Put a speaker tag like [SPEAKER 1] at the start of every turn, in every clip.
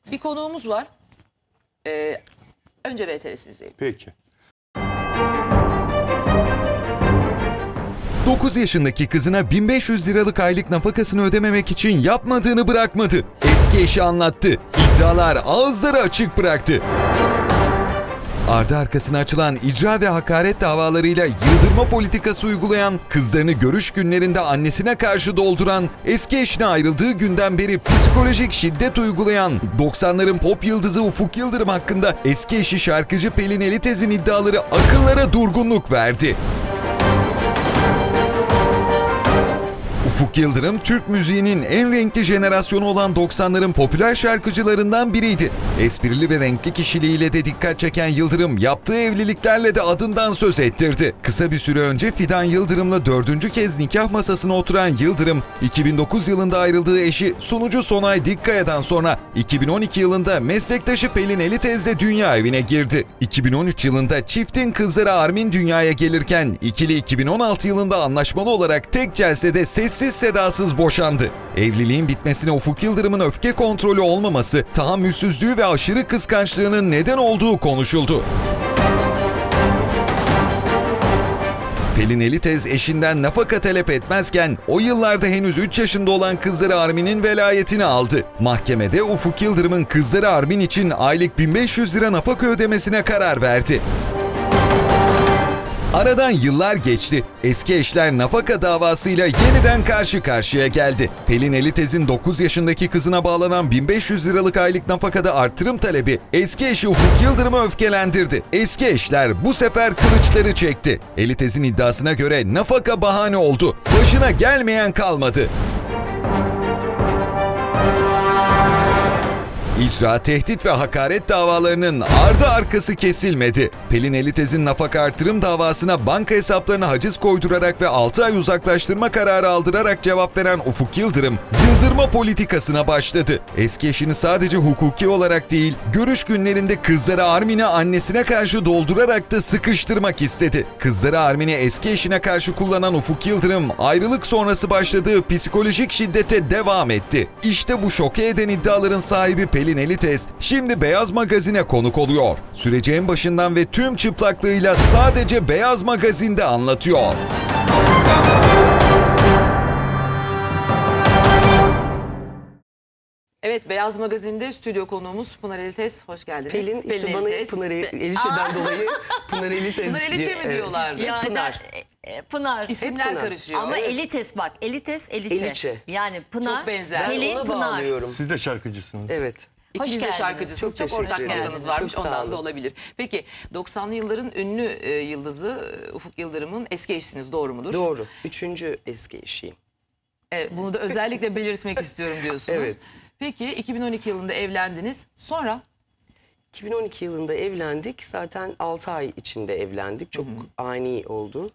[SPEAKER 1] Bir konuğumuz var. Önce VTR'sini izleyelim.
[SPEAKER 2] Peki.
[SPEAKER 3] 9 yaşındaki kızına 1500 liralık aylık nafakasını ödememek için yapmadığını bırakmadı. Eski eşi anlattı. İddialar ağızları açık bıraktı. Ardı arkasına açılan icra ve hakaret davalarıyla yıldırma politikası uygulayan, kızlarını görüş günlerinde annesine karşı dolduran, eski eşine ayrıldığı günden beri psikolojik şiddet uygulayan 90'ların pop yıldızı Ufuk Yıldırım hakkında eski eşi şarkıcı Pelin Elitez'in iddiaları akıllara durgunluk verdi. Ufuk Yıldırım, Türk müziğinin en renkli jenerasyonu olan 90'ların popüler şarkıcılarından biriydi. Esprili ve renkli kişiliğiyle de dikkat çeken Yıldırım, yaptığı evliliklerle de adından söz ettirdi. Kısa bir süre önce Fidan Yıldırım'la 4. kez nikah masasına oturan Yıldırım, 2009 yılında ayrıldığı eşi sunucu Sonay Dikkaya'dan sonra 2012 yılında meslektaşı Pelin Elitez'le dünya evine girdi. 2013 yılında çiftin kızları Armin dünyaya gelirken ikili 2016 yılında anlaşmalı olarak tek celsede sessiz sedasız boşandı. Evliliğin bitmesine Ufuk Yıldırım'ın öfke kontrolü olmaması, tahammülsüzlüğü ve aşırı kıskançlığının neden olduğu konuşuldu. Pelin Elitez eşinden nafaka talep etmezken o yıllarda henüz 3 yaşında olan kızları Armin'in velayetini aldı. Mahkemede Ufuk Yıldırım'ın kızları Armin için aylık 1500 lira nafaka ödemesine karar verdi. Aradan yıllar geçti. Eski eşler nafaka davasıyla yeniden karşı karşıya geldi. Pelin Elitez'in 9 yaşındaki kızına bağlanan 1500 liralık aylık nafakada artırım talebi eski eşi Ufuk Yıldırım'ı öfkelendirdi. Eski eşler bu sefer kılıçları çekti. Elitez'in iddiasına göre nafaka bahane oldu. Başına gelmeyen kalmadı. İcra, tehdit ve hakaret davalarının ardı arkası kesilmedi. Pelin Elitez'in nafaka artırım davasına banka hesaplarına haciz koydurarak ve 6 ay uzaklaştırma kararı aldırarak cevap veren Ufuk Yıldırım, yıldırma politikasına başladı. Eski eşini sadece hukuki olarak değil, görüş günlerinde kızları Armin'i annesine karşı doldurarak da sıkıştırmak istedi. Kızları Armin'i eski eşine karşı kullanan Ufuk Yıldırım, ayrılık sonrası başladığı psikolojik şiddete devam etti. İşte bu şoke eden iddiaların sahibi Pelin Elitez şimdi Beyaz Magazin'e konuk oluyor. Süreci en başından ve tüm çıplaklığıyla sadece Beyaz Magazin'de anlatıyor.
[SPEAKER 1] Evet, Beyaz Magazin'de stüdyo konuğumuz Pınar Elitez. Hoş geldiniz.
[SPEAKER 4] Pelin işte bana
[SPEAKER 1] Elitez.
[SPEAKER 4] Pınar Elişe'den dolayı Pınar Elitez
[SPEAKER 1] Pınar Eliçe mi diyorlardı?
[SPEAKER 4] Yani, Pınar.
[SPEAKER 5] Pınar.
[SPEAKER 1] İsimler
[SPEAKER 4] Pınar.
[SPEAKER 1] karışıyor.
[SPEAKER 5] Ama
[SPEAKER 1] Evet.
[SPEAKER 5] Elites bak. Elites, Eliçe.
[SPEAKER 4] Eliçe.
[SPEAKER 5] Yani Pınar,
[SPEAKER 1] Çok benzer.
[SPEAKER 4] Ben
[SPEAKER 5] Pelin,
[SPEAKER 4] ona
[SPEAKER 5] Pınar.
[SPEAKER 4] bağlıyorum.
[SPEAKER 2] Siz de şarkıcısınız.
[SPEAKER 4] Evet.
[SPEAKER 1] İkiniz de
[SPEAKER 5] geldiniz.
[SPEAKER 1] şarkıcısınız. Çok
[SPEAKER 4] Çok
[SPEAKER 1] ortak
[SPEAKER 4] teşekkür ederim.
[SPEAKER 1] yanınız varmış.
[SPEAKER 4] Çok sağ
[SPEAKER 1] Ondan da
[SPEAKER 4] olun.
[SPEAKER 1] olabilir. Peki 90'lı yılların ünlü yıldızı Ufuk Yıldırım'ın eski eşiniz, doğru mudur?
[SPEAKER 4] Doğru. 3. eski eşiyim.
[SPEAKER 1] Bunu da özellikle belirtmek istiyorum diyorsunuz.
[SPEAKER 4] Evet.
[SPEAKER 1] Peki 2012 yılında evlendiniz. Sonra
[SPEAKER 4] 2012 yılında evlendik. Zaten 6 ay içinde evlendik. Çok ani oldu.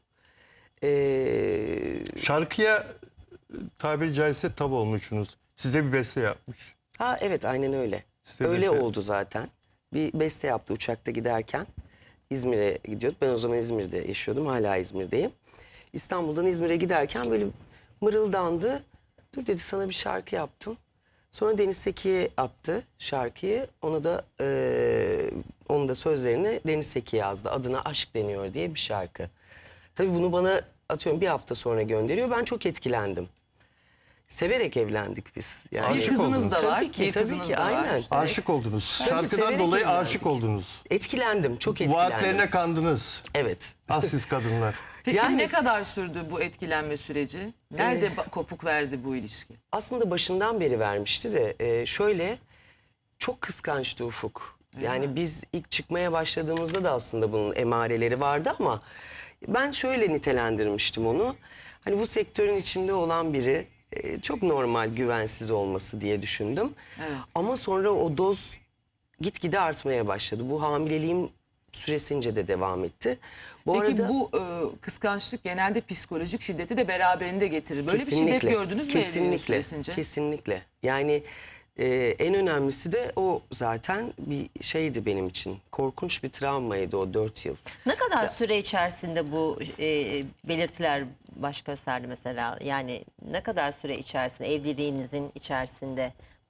[SPEAKER 2] Şarkıya tabiri caizse tav olmuşsunuz. Size bir beste yapmış.
[SPEAKER 4] Ha evet aynen öyle.
[SPEAKER 2] Size
[SPEAKER 4] Öyle
[SPEAKER 2] beste-
[SPEAKER 4] oldu zaten. Bir beste yaptı uçakta giderken. İzmir'e gidiyorduk. Ben o zaman İzmir'de yaşıyordum. Hala İzmir'deyim. İstanbul'dan İzmir'e giderken böyle mırıldandı. Dur dedi sana bir şarkı yaptım. Sonra Deniz Seki'ye attı şarkıyı. Ona da onun da sözlerini Deniz Seki yazdı. Adına Aşk Deniyor diye bir şarkı. Tabii bunu bana atıyorum bir hafta sonra gönderiyor. Ben çok etkilendim. Severek evlendik biz. Yani
[SPEAKER 1] bir kızınız da var.
[SPEAKER 4] Tabii ki,
[SPEAKER 1] bir
[SPEAKER 4] tabii
[SPEAKER 1] kızınız
[SPEAKER 4] ki,
[SPEAKER 1] da var.
[SPEAKER 4] aynen.
[SPEAKER 2] Aşık oldunuz. Şarkıdan
[SPEAKER 4] severek
[SPEAKER 2] dolayı
[SPEAKER 4] evlendik.
[SPEAKER 2] aşık oldunuz.
[SPEAKER 4] Etkilendim, çok etkilendim.
[SPEAKER 2] Vaatlerine kandınız.
[SPEAKER 4] Evet.
[SPEAKER 2] Siz kadınlar.
[SPEAKER 1] Peki
[SPEAKER 4] Yani-
[SPEAKER 1] ne kadar sürdü bu etkilenme süreci? Nerede kopuk verdi bu ilişki?
[SPEAKER 4] Aslında başından beri vermişti de şöyle çok kıskançtı Ufuk. Yani biz ilk çıkmaya başladığımızda da aslında bunun emareleri vardı ama ben şöyle nitelendirmiştim onu. Hani bu sektörün içinde olan biri çok normal güvensiz olması diye düşündüm.
[SPEAKER 1] Evet.
[SPEAKER 4] Ama sonra o doz gitgide artmaya başladı. Bu hamileliğim süresince de devam etti.
[SPEAKER 1] Peki bu kıskançlık genelde psikolojik şiddeti de beraberinde getirir. Böyle bir şiddet
[SPEAKER 4] Kesinlikle,
[SPEAKER 1] gördünüz mü evliliğiniz
[SPEAKER 4] kesinlikle,
[SPEAKER 1] süresince?
[SPEAKER 4] kesinlikle. Yani en önemlisi de o zaten bir şeydi benim için. Korkunç bir travmaydı o 4 yıl.
[SPEAKER 5] Ne kadar süre içerisinde bu belirtiler baş gösterdi mesela? Yani ne kadar süre içerisinde, evliliğinizin içerisinde bu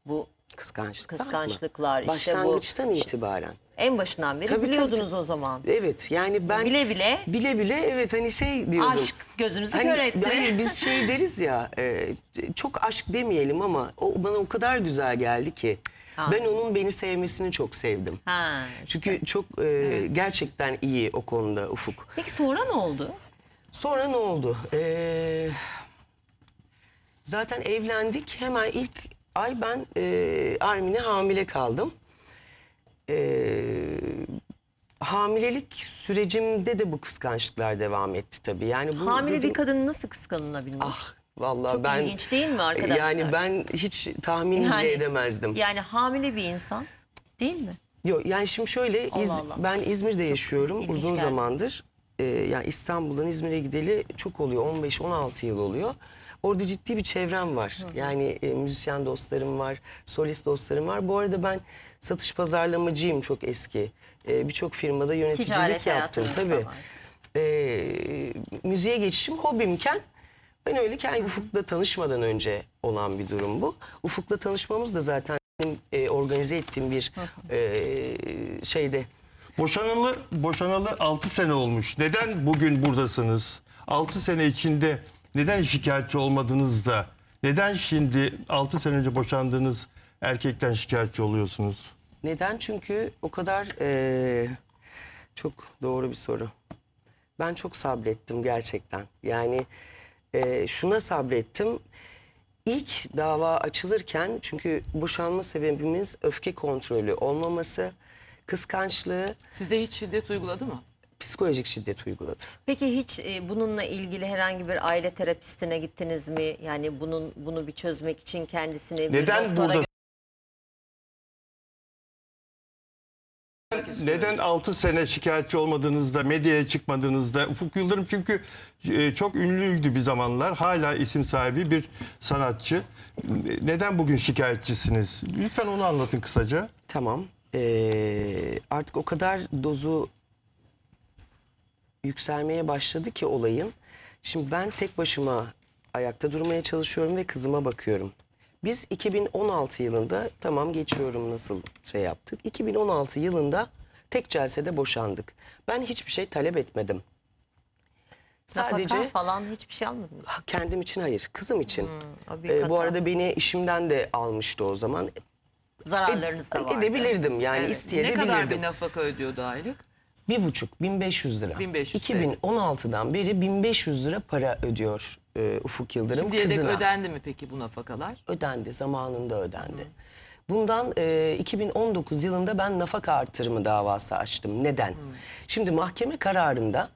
[SPEAKER 4] Kıskançlıklar
[SPEAKER 5] işte bu
[SPEAKER 4] başlangıçtan itibaren.
[SPEAKER 5] en başından beri
[SPEAKER 4] Tabii,
[SPEAKER 5] biliyordunuz
[SPEAKER 4] tabii.
[SPEAKER 5] o zaman.
[SPEAKER 4] Evet, yani ben
[SPEAKER 5] Bile bile.
[SPEAKER 4] bile evet, hani şey diyordum.
[SPEAKER 5] Aşk gözünüzü
[SPEAKER 4] Hani,
[SPEAKER 5] kör etti.
[SPEAKER 4] hayır, biz şey deriz ya, çok aşk demeyelim ama o bana o kadar güzel geldi ki.
[SPEAKER 5] Ha.
[SPEAKER 4] Ben onun beni sevmesini çok sevdim.
[SPEAKER 5] Ha,
[SPEAKER 4] Çünkü çok gerçekten iyi o konuda Ufuk.
[SPEAKER 5] Peki sonra ne oldu?
[SPEAKER 4] Sonra ne oldu? Zaten evlendik. Hemen ilk ay ben Armin'e hamile kaldım. Hamilelik sürecimde de bu kıskançlıklar devam etti tabii. Yani bu
[SPEAKER 5] Hamile
[SPEAKER 4] dedim,
[SPEAKER 5] bir kadın nasıl kıskanılabilir?
[SPEAKER 4] vallahi
[SPEAKER 5] Çok
[SPEAKER 4] ben
[SPEAKER 5] ilginç değil mi arkadaşlar?
[SPEAKER 4] yani ben hiç tahmin bile edemezdim.
[SPEAKER 5] Yani hamile bir insan değil mi?
[SPEAKER 4] Yok, yani şimdi şöyle
[SPEAKER 5] Allah Allah.
[SPEAKER 4] ben İzmir'de yaşıyorum
[SPEAKER 5] ilginç
[SPEAKER 4] uzun
[SPEAKER 5] geldi.
[SPEAKER 4] zamandır. Yani İstanbul'dan İzmir'e gideli çok oluyor, 15-16 yıl oluyor. Orada ciddi bir çevrem var. Yani müzisyen dostlarım var, solist dostlarım var. Bu arada ben satış pazarlamacıyım çok eski. Birçok firmada yöneticilik
[SPEAKER 5] Ticaret
[SPEAKER 4] yaptım
[SPEAKER 5] hayatınız da
[SPEAKER 4] tabii.
[SPEAKER 5] var.
[SPEAKER 4] Müziğe geçişim hobimken ben öyleyken Ufuk'la tanışmadan önce olan bir durum bu. Ufuk'la tanışmamız da zaten benim organize ettiğim bir şeyde.
[SPEAKER 2] Boşanalı 6 sene olmuş. Neden bugün buradasınız? 6 sene içinde neden şikayetçi olmadınız da neden şimdi 6 sene önce boşandığınız erkekten şikayetçi oluyorsunuz?
[SPEAKER 4] Neden? Çünkü o kadar çok doğru bir soru. Ben çok sabrettim gerçekten. Yani şuna sabrettim. İlk dava açılırken, çünkü boşanma sebebimiz öfke kontrolü olmaması, kıskançlığı,
[SPEAKER 1] Size hiç şiddet uyguladı mı?
[SPEAKER 4] psikolojik şiddet uyguladı.
[SPEAKER 5] Peki hiç bununla ilgili herhangi bir aile terapistine gittiniz mi? Yani bunu bir çözmek için kendisini bir
[SPEAKER 2] Neden
[SPEAKER 5] doktora
[SPEAKER 2] burada? Neden 6 sene şikayetçi olmadığınızda, medyaya çıkmadığınızda? Ufuk Yıldırım çünkü çok ünlüydü bir zamanlar. Hala isim sahibi bir sanatçı. Neden bugün şikayetçisiniz? Lütfen onu anlatın kısaca.
[SPEAKER 4] Tamam. Artık o kadar dozu yükselmeye başladı ki olayın. Şimdi ben tek başıma ayakta durmaya çalışıyorum ve kızıma bakıyorum. Biz 2016 yılında, tamam geçiyorum nasıl şey yaptık. 2016 yılında tek celsede boşandık. Ben hiçbir şey talep etmedim. Sadece
[SPEAKER 5] Nafaka falan hiçbir şey almadınız.
[SPEAKER 4] kendim için hayır, kızım için.
[SPEAKER 5] O büyük hata.
[SPEAKER 4] Bu arada beni işimden de almıştı o zaman.
[SPEAKER 5] Zararlarınız da vardı.
[SPEAKER 4] Edebilirdim yani,
[SPEAKER 1] Ne
[SPEAKER 4] isteyebilirdim.
[SPEAKER 1] kadar bir nafaka ödüyordu aylık?
[SPEAKER 4] 1.500 lira.
[SPEAKER 1] 1500
[SPEAKER 4] 2016'dan beri 1500 lira para ödüyor Ufuk Yıldırım
[SPEAKER 1] Şimdiye dek
[SPEAKER 4] kızına.
[SPEAKER 1] ödendi mi peki bu nafakalar?
[SPEAKER 4] Ödendi, zamanında ödendi. Bundan 2019 yılında ben nafaka artırımı davası açtım. Neden? Şimdi mahkeme kararında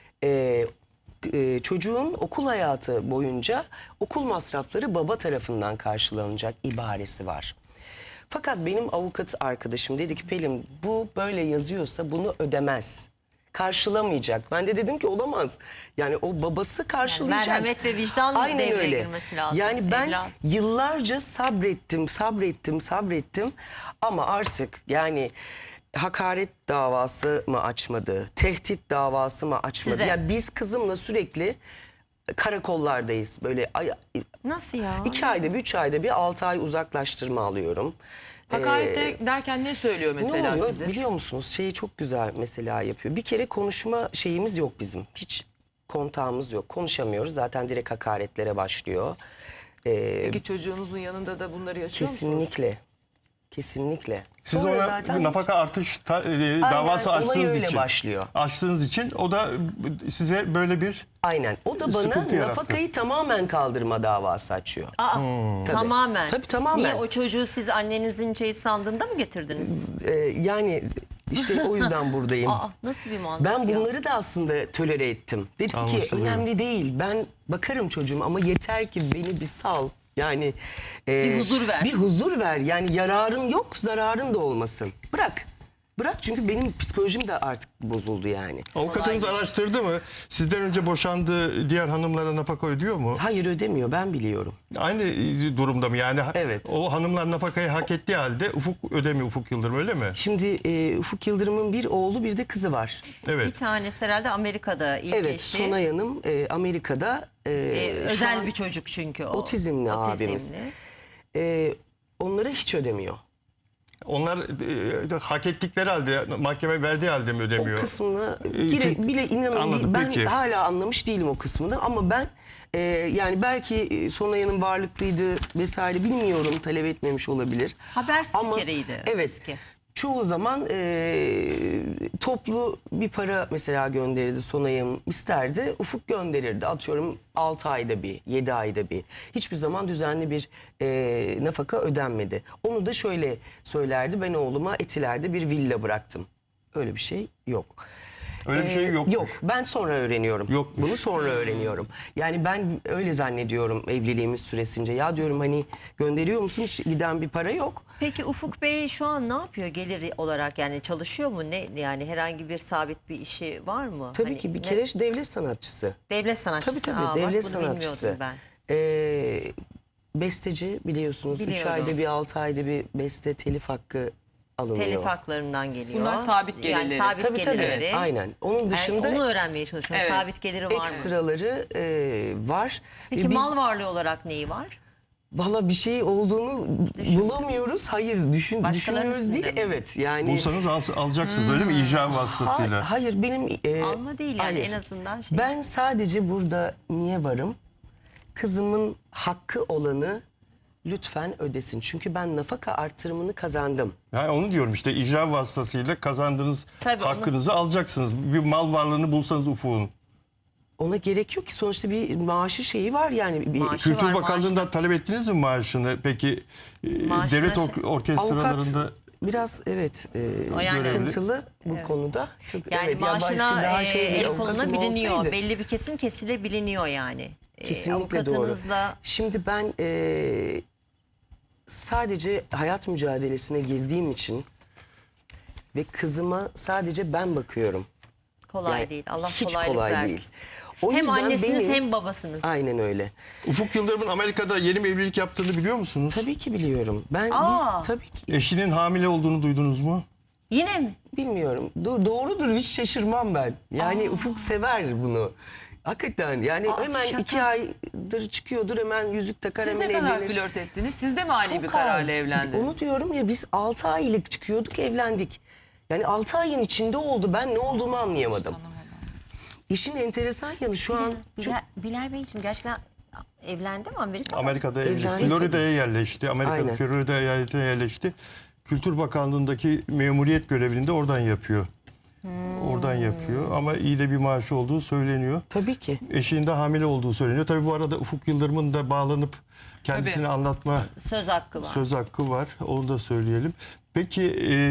[SPEAKER 4] çocuğun okul hayatı boyunca okul masrafları baba tarafından karşılanacak ibaresi var. Fakat benim avukat arkadaşım dedi ki Pelin, bu böyle yazıyorsa bunu ödemez. Karşılamayacak. Ben de dedim ki olamaz. Yani o babası karşılayacak.
[SPEAKER 5] merhamet ve vicdan
[SPEAKER 4] Aynen
[SPEAKER 5] devreye
[SPEAKER 4] öyle.
[SPEAKER 5] girmesi lazım.
[SPEAKER 4] Yani ben
[SPEAKER 5] Evlat.
[SPEAKER 4] yıllarca sabrettim ama artık yani hakaret davası mı açmadı, tehdit davası mı açmadı?
[SPEAKER 5] Size.
[SPEAKER 4] Yani biz kızımla sürekli karakollardayız. Böyle
[SPEAKER 5] Nasıl ya?
[SPEAKER 4] 2 ayda bir, 3 ayda bir, 6 ay uzaklaştırma alıyorum.
[SPEAKER 1] Hakaret derken ne söylüyor
[SPEAKER 4] Ne
[SPEAKER 1] mesela
[SPEAKER 4] oluyor
[SPEAKER 1] size?
[SPEAKER 4] biliyor musunuz? Şeyi çok güzel mesela yapıyor. Bir kere konuşma şeyimiz yok bizim. Hiç kontağımız yok. Konuşamıyoruz. Zaten direkt hakaretlere başlıyor.
[SPEAKER 1] Peki çocuğunuzun yanında da bunları yaşıyor musunuz?
[SPEAKER 4] Kesinlikle. Kesinlikle.
[SPEAKER 2] Siz
[SPEAKER 4] Sonra
[SPEAKER 2] ona
[SPEAKER 4] zaten hiç-
[SPEAKER 2] nafaka artış davası
[SPEAKER 4] olay
[SPEAKER 2] açtığınız
[SPEAKER 4] öyle
[SPEAKER 2] için.
[SPEAKER 4] başlıyor.
[SPEAKER 2] Açtığınız için o da size böyle bir
[SPEAKER 4] Aynen. O da bana
[SPEAKER 2] sıkıntı yarattı.
[SPEAKER 4] nafakayı tamamen kaldırma davası açıyor.
[SPEAKER 5] Aa,
[SPEAKER 4] Tabii.
[SPEAKER 5] tamamen.
[SPEAKER 4] Tabii, tamamen.
[SPEAKER 5] Niye o çocuğu siz annenizin sandığında mı getirdiniz?
[SPEAKER 4] Yani işte o yüzden buradayım.
[SPEAKER 5] Aa, nasıl bir mantık
[SPEAKER 4] Ben
[SPEAKER 5] ya?
[SPEAKER 4] bunları da aslında tolere ettim. Dedim ki
[SPEAKER 2] Anlaşılıyor.
[SPEAKER 4] önemli değil. Ben bakarım çocuğuma ama yeter ki beni bir sal. Yani
[SPEAKER 5] Bir huzur ver.
[SPEAKER 4] Bir huzur ver. Yani yararın yok, zararın da olmasın. Bırak. Bırak, çünkü benim psikolojim de artık bozuldu yani.
[SPEAKER 2] avukatınız araştırdı mı? Sizden önce boşandığı diğer hanımlara nafaka ödüyor mu?
[SPEAKER 4] Hayır, ödemiyor, ben biliyorum.
[SPEAKER 2] Aynı durumda mı? Yani
[SPEAKER 4] Evet.
[SPEAKER 2] o hanımlar nafakayı hak ettiği halde Ufuk ödemiyor, Ufuk Yıldırım, öyle mi?
[SPEAKER 4] Şimdi Ufuk Yıldırım'ın bir oğlu bir de kızı var.
[SPEAKER 5] Bir
[SPEAKER 2] Evet.
[SPEAKER 5] tanesi herhalde Amerika'da ilk
[SPEAKER 4] Evet,
[SPEAKER 5] eşi.
[SPEAKER 4] Sonay Hanım Amerika'da. Şu
[SPEAKER 5] özel
[SPEAKER 4] an
[SPEAKER 5] bir çocuk çünkü o.
[SPEAKER 4] otizmli abimiz. onlara hiç ödemiyor.
[SPEAKER 2] Onlar hak ettikleri halde, mahkeme verdiği halde mi ödemiyor?
[SPEAKER 4] O kısmına
[SPEAKER 2] Çünkü-
[SPEAKER 4] bile inanın
[SPEAKER 2] Anladım,
[SPEAKER 4] ben
[SPEAKER 2] peki.
[SPEAKER 4] hala anlamış değilim o kısmını ama ben yani belki Sonaya'nın varlıklıydı vesaire bilmiyorum, talep etmemiş olabilir.
[SPEAKER 5] Haber
[SPEAKER 4] Ama
[SPEAKER 5] spikeriydi
[SPEAKER 4] evet
[SPEAKER 5] eski.
[SPEAKER 4] çoğu zaman toplu bir para mesela gönderirdi Sonaya'm isterdi. Ufuk gönderirdi atıyorum 6 ayda bir 7 ayda bir. Hiçbir zaman düzenli bir nafaka ödenmedi. Onu da şöyle söylerdi, ben oğluma Etiler'de bir villa bıraktım. Öyle bir şey yok.
[SPEAKER 2] Öyle bir şey yokmuş.
[SPEAKER 4] Yok, ben sonra öğreniyorum.
[SPEAKER 2] Yokmuş.
[SPEAKER 4] Bunu sonra öğreniyorum. Yani ben öyle zannediyorum evliliğimiz süresince. Ya diyorum hani gönderiyor musun, hiç giden bir para yok.
[SPEAKER 5] Peki Ufuk Bey şu an ne yapıyor gelir olarak, yani çalışıyor mu, ne yani herhangi bir sabit bir işi var mı?
[SPEAKER 4] Tabii
[SPEAKER 5] Hani
[SPEAKER 4] ki bir
[SPEAKER 5] ne-
[SPEAKER 4] kere devlet sanatçısı.
[SPEAKER 5] devlet sanatçısı.
[SPEAKER 4] Tabii
[SPEAKER 5] Aa, bak,
[SPEAKER 4] devlet
[SPEAKER 5] bunu
[SPEAKER 4] sanatçısı.
[SPEAKER 5] bilmiyordum ben.
[SPEAKER 4] Besteci biliyorsunuz. 3
[SPEAKER 5] Biliyorum.
[SPEAKER 4] ayda bir 6 ayda bir beste telif hakkı alınıyor.
[SPEAKER 5] Telif haklarından geliyor.
[SPEAKER 1] Bunlar sabit gelirleri.
[SPEAKER 5] Yani sabit
[SPEAKER 4] Tabii tabii
[SPEAKER 5] gelirleri.
[SPEAKER 4] aynen. Onun dışında
[SPEAKER 5] Yani onu öğrenmeye çalışıyorum.
[SPEAKER 1] Evet.
[SPEAKER 5] Sabit geliri var mı?
[SPEAKER 4] ekstraları var.
[SPEAKER 5] Peki
[SPEAKER 4] Biz
[SPEAKER 5] mal varlığı olarak neyi var?
[SPEAKER 4] valla bir şey olduğunu bulamıyoruz. Hayır
[SPEAKER 5] Başkalarının
[SPEAKER 4] düşünmüyoruz değil.
[SPEAKER 5] üstünde mi?
[SPEAKER 4] Evet yani.
[SPEAKER 2] Bulsanız alacaksınız öyle mi? İcra vasıtasıyla.
[SPEAKER 4] Hayır benim
[SPEAKER 5] Alma değil yani,
[SPEAKER 4] hayır.
[SPEAKER 5] en azından şey.
[SPEAKER 4] Ben sadece burada niye varım? Kızımın hakkı olanı lütfen ödesin. Çünkü ben nafaka artırımını kazandım.
[SPEAKER 2] Yani onu diyorum işte, icra vasıtasıyla kazandığınız
[SPEAKER 5] Tabii
[SPEAKER 2] hakkınızı alacaksınız. Bir mal varlığını bulsanız Ufuk'un.
[SPEAKER 4] Ona gerek yok ki, sonuçta bir maaşı şeyi var yani. Bir
[SPEAKER 5] Maaşı
[SPEAKER 2] Kültür
[SPEAKER 5] var,
[SPEAKER 2] Bakanlığı'ndan talep ettiniz mi maaşını? Peki
[SPEAKER 5] Maaşına
[SPEAKER 2] devlet
[SPEAKER 5] şey-
[SPEAKER 2] orkestralarında
[SPEAKER 4] avukat biraz evet
[SPEAKER 5] O yani-
[SPEAKER 4] sıkıntılı bu konuda. Çok,
[SPEAKER 5] Yani
[SPEAKER 4] evet, ya başka
[SPEAKER 5] maaşına
[SPEAKER 4] daha şey bir
[SPEAKER 5] el
[SPEAKER 4] avukatım
[SPEAKER 5] koluna biliniyor.
[SPEAKER 4] olsaydı.
[SPEAKER 5] Belli bir kesim kesilebiliniyor yani.
[SPEAKER 4] Kesinlikle doğru.
[SPEAKER 5] Avukatınızla
[SPEAKER 4] Şimdi ben sadece hayat mücadelesine girdiğim için ve kızıma sadece ben bakıyorum.
[SPEAKER 5] kolay
[SPEAKER 4] Yani
[SPEAKER 5] değil. Allah
[SPEAKER 4] hiç
[SPEAKER 5] kolaylık
[SPEAKER 4] kolay
[SPEAKER 5] versin.
[SPEAKER 4] değil. O
[SPEAKER 5] Hem
[SPEAKER 4] yüzden
[SPEAKER 5] annesiniz
[SPEAKER 4] benim-
[SPEAKER 5] hem babasınız.
[SPEAKER 4] Aynen öyle.
[SPEAKER 2] Ufuk Yıldırım'ın Amerika'da yeni bir evlilik yaptığını biliyor musunuz?
[SPEAKER 4] Tabii ki biliyorum. Biz tabii ki
[SPEAKER 2] Eşinin hamile olduğunu duydunuz mu?
[SPEAKER 5] Yine mi?
[SPEAKER 4] bilmiyorum. Doğrudur, hiç şaşırmam ben. Yani Ufuk sever bunu. Hakikaten yani hemen
[SPEAKER 5] şaka.
[SPEAKER 4] 2 aydır çıkıyordur, hemen yüzük takar,
[SPEAKER 1] Siz
[SPEAKER 4] hemen
[SPEAKER 1] ne kadar
[SPEAKER 4] evlenir.
[SPEAKER 1] flört ettiniz? Siz de mi ani
[SPEAKER 4] Çok
[SPEAKER 1] bir
[SPEAKER 4] az.
[SPEAKER 1] kararla evlendiniz?
[SPEAKER 4] Onu diyorum ya, biz 6 aylık çıkıyorduk, evlendik. Yani 6 ayın içinde oldu, ben ne olduğumu anlayamadım. İşin enteresan yanı şu an çok
[SPEAKER 5] Bilal Beyciğim gerçekten evlendi mi Amerika'da?
[SPEAKER 2] Amerika'da
[SPEAKER 4] Evlendi
[SPEAKER 2] Florida'ya yerleşti. Amerika
[SPEAKER 4] Aynen.
[SPEAKER 2] Florida eyaletine yerleşti. Kültür Bakanlığı'ndaki memuriyet görevini de oradan yapıyor. Oradan yapıyor ama iyi de bir maaşı olduğu söyleniyor.
[SPEAKER 4] tabii ki.
[SPEAKER 2] Eşinin de hamile olduğu söyleniyor. Tabii bu arada Ufuk Yıldırım'ın da bağlanıp kendisini
[SPEAKER 1] Tabii.
[SPEAKER 2] anlatma
[SPEAKER 5] Söz hakkı var.
[SPEAKER 2] söz hakkı var. Onu da söyleyelim. Peki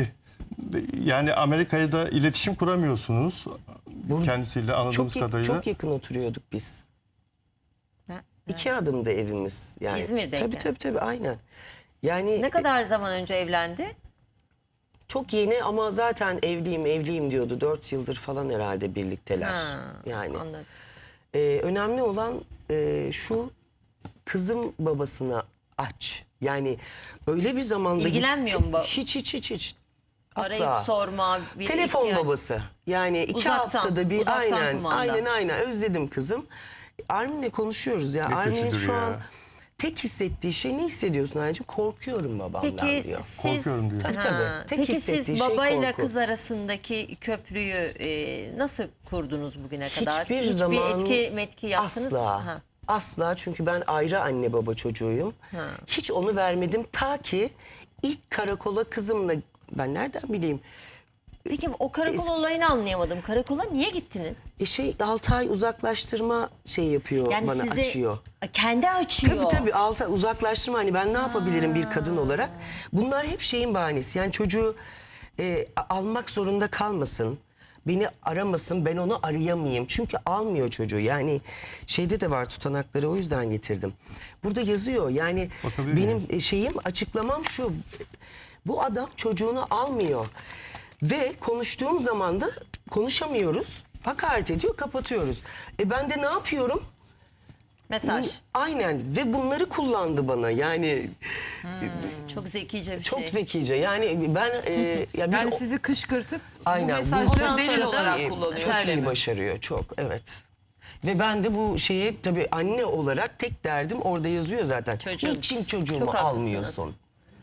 [SPEAKER 2] yani Amerika'ya da iletişim kuramıyorsunuz kendisiyle anladığımız kadarıyla.
[SPEAKER 4] Çok yakın oturuyorduk biz.
[SPEAKER 5] Ne?
[SPEAKER 4] 2 adımda evimiz yani.
[SPEAKER 5] İzmir'deyken.
[SPEAKER 4] Tabii aynen. Yani
[SPEAKER 5] Ne kadar zaman önce evlendi?
[SPEAKER 4] çok yeni ama zaten evliyim diyordu. 4 yıldır falan herhalde birlikteler.
[SPEAKER 5] Ha,
[SPEAKER 4] Yani
[SPEAKER 5] anladım.
[SPEAKER 4] önemli olan şu, kızım babasına aç. Yani öyle bir zamanda
[SPEAKER 5] İlgilenmiyor
[SPEAKER 4] gitti-
[SPEAKER 5] mu
[SPEAKER 4] Hiç. Asla.
[SPEAKER 5] Arayıp sorma. Bir
[SPEAKER 4] Telefon
[SPEAKER 5] ihtiyaç-
[SPEAKER 4] babası. Yani 2
[SPEAKER 5] Uzaktan,
[SPEAKER 4] haftada bir
[SPEAKER 5] uzaktan kumanda.
[SPEAKER 4] aynen özledim kızım. Armin'le konuşuyoruz ya.
[SPEAKER 2] Ne
[SPEAKER 4] Armin'in
[SPEAKER 2] kötüdür
[SPEAKER 4] şu
[SPEAKER 2] ya.
[SPEAKER 4] an tek hissettiği şey, ne hissediyorsun anneciğim? Korkuyorum babamdan
[SPEAKER 5] Peki
[SPEAKER 4] diyor.
[SPEAKER 5] siz,
[SPEAKER 2] Korkuyorum diyor.
[SPEAKER 4] Tabii. Tek
[SPEAKER 5] Peki
[SPEAKER 4] hissettiği
[SPEAKER 5] siz
[SPEAKER 4] şey
[SPEAKER 5] babayla
[SPEAKER 4] korku.
[SPEAKER 5] kız arasındaki köprüyü nasıl kurdunuz bugüne kadar?
[SPEAKER 4] Hiçbir zaman
[SPEAKER 5] etki yaptınız
[SPEAKER 4] asla.
[SPEAKER 5] mı? Ha.
[SPEAKER 4] Asla, çünkü ben ayrı anne baba çocuğuyum. Hiç onu vermedim ta ki ilk karakola kızımla, ben nereden bileyim?
[SPEAKER 5] Peki o karakol olayını anlayamadım. Karakola niye gittiniz?
[SPEAKER 4] 6 ay uzaklaştırma şey yapıyor,
[SPEAKER 5] Yani
[SPEAKER 4] bana
[SPEAKER 5] sizi
[SPEAKER 4] açıyor.
[SPEAKER 5] kendi açıyor.
[SPEAKER 4] Tabii 6 ay uzaklaştırma, hani ben ne yapabilirim bir kadın olarak? Bunlar hep şeyin bahanesi. Yani çocuğu almak zorunda kalmasın. Beni aramasın, ben onu arayamayayım. Çünkü almıyor çocuğu. Yani şeyde de var tutanakları, o yüzden getirdim. Burada yazıyor yani,
[SPEAKER 2] Bakabilir
[SPEAKER 4] benim şeyim, açıklamam şu. Bu adam çocuğunu almıyor. Ve konuştuğum zaman da konuşamıyoruz. Hakaret ediyor, kapatıyoruz. Ben de ne yapıyorum?
[SPEAKER 5] Mesaj.
[SPEAKER 4] Aynen, ve bunları kullandı bana. Yani
[SPEAKER 5] Çok zekice bir
[SPEAKER 4] çok
[SPEAKER 5] şey.
[SPEAKER 4] zekice. Yani ben ya bir
[SPEAKER 1] Yani sizi kışkırtıp
[SPEAKER 4] Aynen,
[SPEAKER 1] bu
[SPEAKER 4] bu
[SPEAKER 1] mesajları
[SPEAKER 5] ondan
[SPEAKER 1] delil
[SPEAKER 5] sonra da
[SPEAKER 1] olarak kullanıyor.
[SPEAKER 4] çok
[SPEAKER 1] öyle
[SPEAKER 4] iyi
[SPEAKER 1] mi?
[SPEAKER 4] başarıyor, çok, evet. Ve ben de bu şeye tabii anne olarak tek derdim, orada yazıyor zaten.
[SPEAKER 5] Çocuğun.
[SPEAKER 4] Niçin çocuğumu
[SPEAKER 5] Çok haklısınız.
[SPEAKER 4] almıyorsun?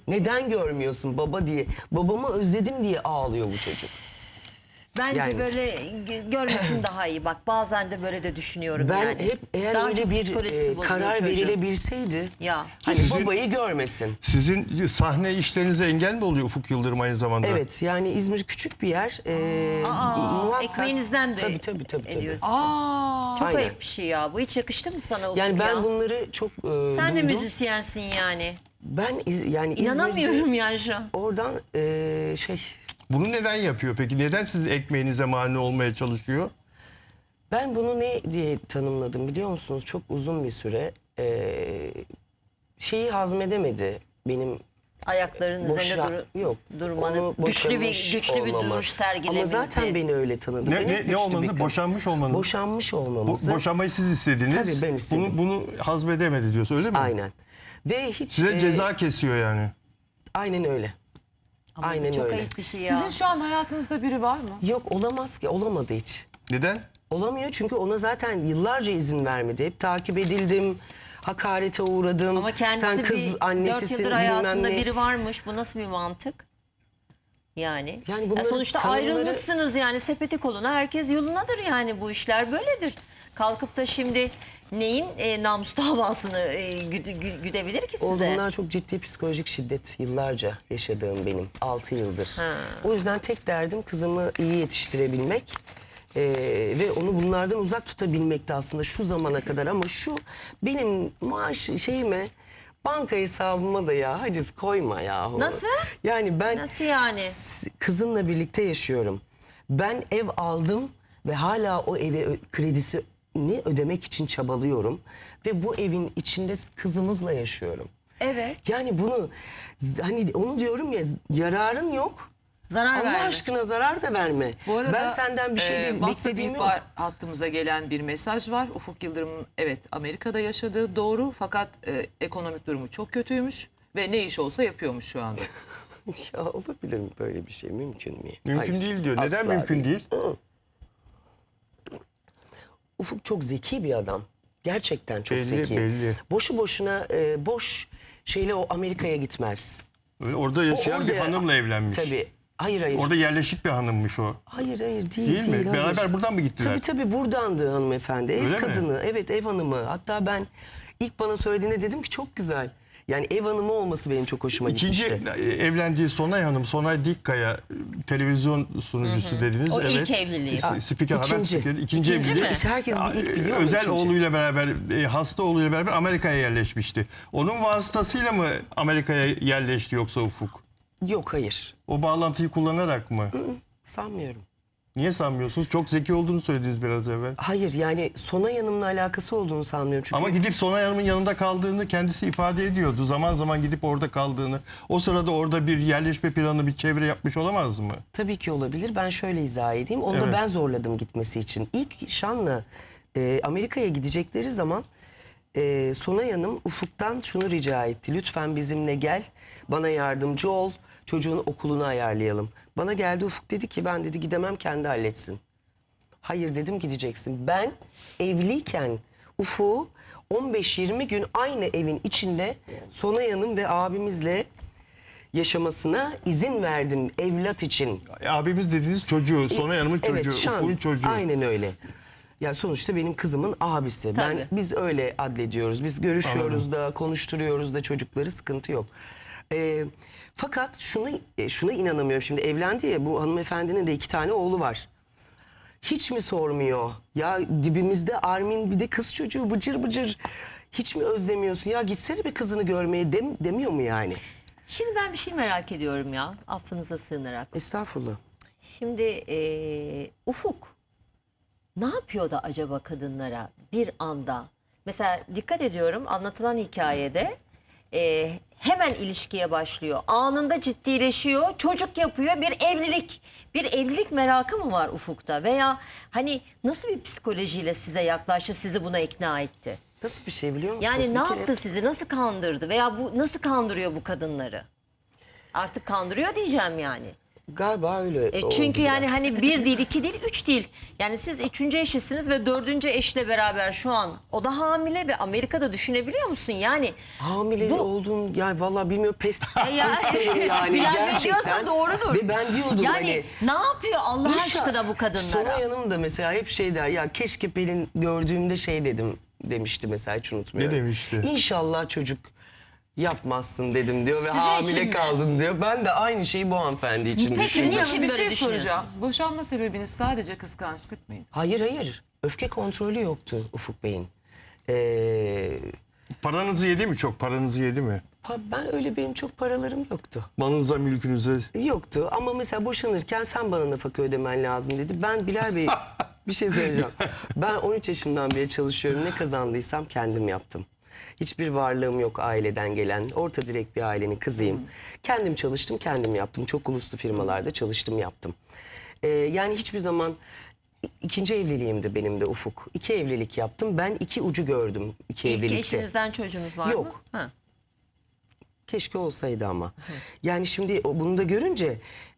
[SPEAKER 4] Neden görmüyorsun baba diye. Babamı özledim diye ağlıyor bu çocuk.
[SPEAKER 5] Bence
[SPEAKER 4] Yani-
[SPEAKER 5] böyle görmesin daha iyi. Bak bazen de böyle de düşünüyorum
[SPEAKER 4] Ben
[SPEAKER 5] yani.
[SPEAKER 4] hep eğer
[SPEAKER 5] Daha
[SPEAKER 4] öyle
[SPEAKER 5] çok
[SPEAKER 4] bir
[SPEAKER 5] psikolojisi bozuluyor
[SPEAKER 4] karar
[SPEAKER 5] çocuğun.
[SPEAKER 4] verilebilseydi
[SPEAKER 5] Ya.
[SPEAKER 4] hani
[SPEAKER 2] Sizin-
[SPEAKER 4] babayı görmesin.
[SPEAKER 2] Sizin sahne işlerinize engel mi oluyor Ufuk Yıldırım aynı zamanda?
[SPEAKER 4] Evet yani İzmir küçük bir yer.
[SPEAKER 5] Ekmeğinizden de
[SPEAKER 4] tabii.
[SPEAKER 5] ediyorsun.
[SPEAKER 1] Aa,
[SPEAKER 5] Çok
[SPEAKER 4] Aynen.
[SPEAKER 5] ayıp bir şey ya. Bu hiç yakıştı mı sana Ufuk
[SPEAKER 4] Yani ben
[SPEAKER 5] ya?
[SPEAKER 4] bunları çok
[SPEAKER 5] Sen de
[SPEAKER 4] duydum.
[SPEAKER 5] müzisyensin yani.
[SPEAKER 4] Ben yani
[SPEAKER 5] İnanamıyorum yani şu an.
[SPEAKER 4] oradan
[SPEAKER 2] Bunu neden yapıyor peki? Neden sizin ekmeğinize mani olmaya çalışıyor?
[SPEAKER 4] ben bunu ne diye tanımladım biliyor musunuz? Çok uzun bir süre şeyi hazmedemedi benim
[SPEAKER 5] Ayakların üzerinde
[SPEAKER 4] yok.
[SPEAKER 5] durmanı.
[SPEAKER 4] Onu
[SPEAKER 5] Güçlü bir
[SPEAKER 4] boşanmış olmamı.
[SPEAKER 5] duruş sergilemenizi.
[SPEAKER 4] Ama zaten beni öyle tanıdı. Benim
[SPEAKER 2] Ne
[SPEAKER 4] güçlü bir
[SPEAKER 2] olmanızı?
[SPEAKER 4] kadın.
[SPEAKER 2] Boşanmış olmanız.
[SPEAKER 4] Boşanmış olmamızı.
[SPEAKER 2] Boşanmayı siz istediniz.
[SPEAKER 4] Tabii ben istedim.
[SPEAKER 2] Bunu hazmedemedi diyorsun öyle mi?
[SPEAKER 4] Aynen. Ve hiç
[SPEAKER 2] Size ceza kesiyor yani.
[SPEAKER 4] aynen öyle.
[SPEAKER 5] Ama bu
[SPEAKER 4] aynen
[SPEAKER 5] çok
[SPEAKER 4] öyle.
[SPEAKER 5] ayıp bir şey ya.
[SPEAKER 1] sizin şu an hayatınızda biri var mı?
[SPEAKER 4] Yok olamaz ki, olamadı hiç.
[SPEAKER 2] Neden?
[SPEAKER 4] Olamıyor çünkü ona zaten yıllarca izin vermedi. Hep takip edildim, hakarete uğradım.
[SPEAKER 5] Ama kendisi
[SPEAKER 4] sen kız
[SPEAKER 5] bir 4
[SPEAKER 4] annesisin
[SPEAKER 5] yıldır
[SPEAKER 4] bilmem
[SPEAKER 5] hayatında
[SPEAKER 4] ne.
[SPEAKER 5] biri varmış. Bu nasıl bir mantık? Yani,
[SPEAKER 4] Yani bunları
[SPEAKER 5] sonuçta
[SPEAKER 4] tanımları-
[SPEAKER 5] ayrılmışsınız yani sepeti koluna. Herkes yolunadır yani, bu işler böyledir. Kalkıp da şimdi neyin namus davasını güdebilir ki
[SPEAKER 4] O
[SPEAKER 5] size?
[SPEAKER 4] bunlar çok ciddi psikolojik şiddet yıllarca yaşadığım benim 6 yıldır.
[SPEAKER 5] Ha.
[SPEAKER 4] O yüzden tek derdim kızımı iyi yetiştirebilmek ve onu bunlardan uzak tutabilmekti aslında şu zamana kadar. Ama şu benim maaş şeyime, banka hesabıma da ya haciz koyma yahu.
[SPEAKER 5] Nasıl?
[SPEAKER 4] Yani ben
[SPEAKER 5] Nasıl yani?
[SPEAKER 4] kızımla birlikte yaşıyorum. Ben ev aldım ve hala o eve kredisini ödemek için çabalıyorum. Ve bu evin içinde kızımızla yaşıyorum.
[SPEAKER 5] Evet.
[SPEAKER 4] Yani bunu hani onu diyorum ya, yararın yok.
[SPEAKER 5] Zarar
[SPEAKER 4] Allah
[SPEAKER 5] verme.
[SPEAKER 4] aşkına zarar da verme.
[SPEAKER 1] Bu arada
[SPEAKER 4] ben senden bir şey
[SPEAKER 1] WhatsApp
[SPEAKER 4] beklediğim yok.
[SPEAKER 1] ihbar hattımıza gelen bir mesaj var. Ufuk Yıldırım'ın evet Amerika'da yaşadığı doğru fakat ekonomik durumu çok kötüymüş ve ne iş olsa yapıyormuş şu anda.
[SPEAKER 4] Ya olabilir mi böyle bir şey? Mümkün mü?
[SPEAKER 2] Mümkün
[SPEAKER 4] Hayır,
[SPEAKER 2] değil diyor. Neden
[SPEAKER 4] asla
[SPEAKER 2] mümkün değil?
[SPEAKER 4] Ufuk çok zeki bir adam. Gerçekten çok
[SPEAKER 2] Belli,
[SPEAKER 4] zeki.
[SPEAKER 2] belli.
[SPEAKER 4] Boşu boşuna boş şeyle o Amerika'ya gitmez.
[SPEAKER 2] Orada yaşayan bir
[SPEAKER 4] orada-
[SPEAKER 2] hanımla evlenmiş.
[SPEAKER 4] Tabii. Hayır.
[SPEAKER 2] Orada yerleşik bir hanımmış o.
[SPEAKER 4] Hayır değil.
[SPEAKER 2] Değil mi?
[SPEAKER 4] hayır.
[SPEAKER 2] Beraber buradan mı gittiler?
[SPEAKER 4] Tabii buradandı hanımefendi. Ev
[SPEAKER 2] Öyle mi?
[SPEAKER 4] kadını. Evet, ev hanımı. Hatta ben ilk bana söylediğinde dedim ki çok güzel. Yani ev hanımı olması benim çok hoşuma
[SPEAKER 2] İkinci
[SPEAKER 4] gitmişti.
[SPEAKER 2] evlendiği Sonay Hanım, Sonay Dikkaya televizyon sunucusu dediniz.
[SPEAKER 5] O
[SPEAKER 2] evet.
[SPEAKER 5] ilk evliliği.
[SPEAKER 2] Spiker, haber
[SPEAKER 4] İkinci.
[SPEAKER 2] spikeri. İkinci
[SPEAKER 5] İkinci
[SPEAKER 2] evliliği.
[SPEAKER 5] mi?
[SPEAKER 4] İşte herkes bir ilk biliyor mu?
[SPEAKER 2] Özel
[SPEAKER 4] ikinci?
[SPEAKER 2] oğluyla beraber, hasta oğluyla beraber Amerika'ya yerleşmişti. Onun vasıtasıyla mı Amerika'ya yerleşti yoksa Ufuk?
[SPEAKER 4] Yok hayır.
[SPEAKER 2] O bağlantıyı kullanarak mı?
[SPEAKER 4] Sanmıyorum.
[SPEAKER 2] Niye sanmıyorsunuz? Çok zeki olduğunu söylediniz biraz evvel.
[SPEAKER 4] Hayır yani Sonay Hanım'la alakası olduğunu sanmıyorum. Çünkü
[SPEAKER 2] Ama gidip Sonay Hanım'ın yanında kaldığını kendisi ifade ediyordu. Zaman zaman gidip orada kaldığını. O sırada orada bir yerleşme planı, bir çevre yapmış olamaz mı?
[SPEAKER 4] tabii ki olabilir. Ben şöyle izah edeyim. Onu da
[SPEAKER 2] Evet.
[SPEAKER 4] ben zorladım gitmesi için. İlk Şan'la Amerika'ya gidecekleri zaman Sonay Hanım Ufuk'tan şunu rica etti. Lütfen bizimle gel, bana yardımcı ol, çocuğun okulunu ayarlayalım. Bana geldi Ufuk dedi ki ben dedi gidemem, kendi halletsin. Hayır dedim, gideceksin. Ben evliyken Ufuk'u 15-20 gün aynı evin içinde Sonay Hanım ve abimizle yaşamasına izin verdim evlat için.
[SPEAKER 2] Abimiz dediğiniz çocuğu, Sonay Hanım'ın çocuğu,
[SPEAKER 4] Evet, Şan.
[SPEAKER 2] Ufuk'un çocuğu.
[SPEAKER 4] Aynen öyle. Ya sonuçta benim kızımın abisi.
[SPEAKER 5] Tabii.
[SPEAKER 4] Biz öyle adlediyoruz. Biz görüşüyoruz da, konuşturuyoruz da çocukları, sıkıntı yok. Fakat şuna inanamıyorum. Şimdi evlendi ya, bu hanımefendinin de 2 tane oğlu var. Hiç mi sormuyor? Ya dibimizde Armin, bir de kız çocuğu bıcır bıcır. Hiç mi özlemiyorsun? Ya gitsene bir kızını görmeye demiyor mu yani?
[SPEAKER 5] Şimdi ben bir şey merak ediyorum ya, affınıza sığınarak.
[SPEAKER 4] Estağfurullah.
[SPEAKER 5] Şimdi Ufuk ne yapıyor da acaba kadınlara bir anda? Mesela dikkat ediyorum, anlatılan hikayede hemen ilişkiye başlıyor. Anında ciddileşiyor, çocuk yapıyor, bir evlilik merakı mı var Ufuk'ta? Veya hani nasıl bir psikolojiyle size yaklaştı, sizi buna ikna etti?
[SPEAKER 4] Nasıl bir şey biliyor musunuz?
[SPEAKER 5] Yani
[SPEAKER 4] Bir
[SPEAKER 5] ne
[SPEAKER 4] kere-
[SPEAKER 5] yaptı sizi, nasıl kandırdı veya bu nasıl kandırıyor bu kadınları? Artık kandırıyor diyeceğim yani.
[SPEAKER 4] Galiba öyle oldu
[SPEAKER 5] Çünkü yani
[SPEAKER 4] biraz.
[SPEAKER 5] hani bir değil, iki değil, üç değil. Yani siz üçüncü eşisiniz ve dördüncü eşle beraber şu an o da hamile ve Amerika'da düşünebiliyor musun? Yani
[SPEAKER 4] Hamile
[SPEAKER 5] bu-
[SPEAKER 4] olduğun yani vallahi bilmiyorum pes
[SPEAKER 5] Ya-
[SPEAKER 4] derim yani
[SPEAKER 5] Bilen
[SPEAKER 4] gerçekten.
[SPEAKER 5] biliyorsa doğrudur.
[SPEAKER 4] Ve ben diyordum
[SPEAKER 5] yani
[SPEAKER 4] hani.
[SPEAKER 5] ne yapıyor Allah
[SPEAKER 4] Yaşa,
[SPEAKER 5] aşkına bu kadınlara?
[SPEAKER 4] Sonay Hanım da mesela hep şey der ya keşke Pelin gördüğümde şey demişti mesela hiç unutmuyorum.
[SPEAKER 2] Ne demişti?
[SPEAKER 4] İnşallah çocuk yapmazsın dedim diyor ve
[SPEAKER 5] Sizin için
[SPEAKER 4] hamile
[SPEAKER 5] mi?
[SPEAKER 4] kaldın diyor. Ben de aynı şeyi bu hanımefendi için
[SPEAKER 5] Peki,
[SPEAKER 4] düşündüm.
[SPEAKER 5] niye
[SPEAKER 1] Şimdi bir
[SPEAKER 5] böyle
[SPEAKER 1] şey
[SPEAKER 5] düşünüyorsunuz?
[SPEAKER 1] soracağım. Boşanma sebebiniz sadece kıskançlık mıydı?
[SPEAKER 4] Hayır. Öfke kontrolü yoktu Ufuk Bey'in.
[SPEAKER 2] Paranızı yedi mi çok? Paranızı yedi mi?
[SPEAKER 4] Ben öyle benim çok paralarım yoktu.
[SPEAKER 2] Malınıza, mülkünüze.
[SPEAKER 4] Yoktu ama mesela boşanırken sen bana nafaka ödemen lazım dedi. Ben Bilal Bey bir şey söyleyeceğim. Ben 13 yaşımdan beri çalışıyorum. Ne kazandıysam kendim yaptım. Hiçbir varlığım yok aileden gelen. Orta direkt bir ailenin kızıyım. Kendim çalıştım, kendim yaptım. Çok uluslu firmalarda çalıştım, yaptım. Yani hiçbir zaman ikinci evliliğimdi benim de Ufuk. 2 evlilik yaptım. Ben 2 ucu gördüm 2
[SPEAKER 5] İlk
[SPEAKER 4] evlilikte.
[SPEAKER 5] eşinizden çocuğunuz var mı?
[SPEAKER 4] Yok.
[SPEAKER 5] Ha.
[SPEAKER 4] Keşke olsaydı ama. Yani şimdi bunu da görünce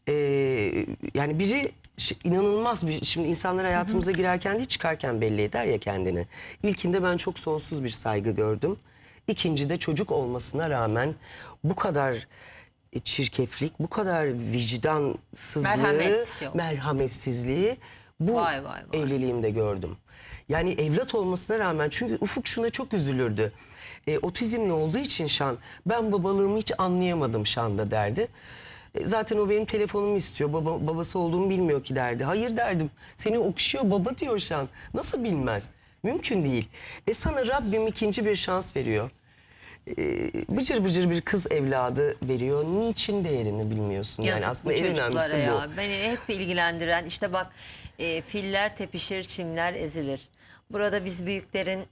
[SPEAKER 4] yani biri inanılmaz bir, şimdi insanlar hayatımıza girerken değil çıkarken belli eder ya kendini. İlkinde ben çok sonsuz bir saygı gördüm. İkincide çocuk olmasına rağmen bu kadar çirkeflik, bu kadar vicdansızlığı,
[SPEAKER 5] Merhamet yok.
[SPEAKER 4] merhametsizliği bu
[SPEAKER 5] Vay, vay, vay.
[SPEAKER 4] evliliğimde gördüm. Yani evlat olmasına rağmen, çünkü Ufuk şuna çok üzülürdü. Otizmli olduğu için Şan, ben babalığımı hiç anlayamadım Şan'da derdi. Zaten o benim telefonumu istiyor. Babası olduğumu bilmiyor ki derdi. Hayır derdim. Seni okşuyor baba diyor Şan. Nasıl bilmez? Mümkün değil. Sana Rabbim ikinci bir şans veriyor. Bıcır bıcır bir kız evladı veriyor. Niçin değerini bilmiyorsun?
[SPEAKER 5] Yazık
[SPEAKER 4] Yani aslında
[SPEAKER 5] bu
[SPEAKER 4] en
[SPEAKER 5] çocuklara
[SPEAKER 4] önemlisi
[SPEAKER 5] ya.
[SPEAKER 4] bu.
[SPEAKER 5] Beni hep ilgilendiren işte bak filler tepişir, çimler ezilir. Burada biz büyüklerin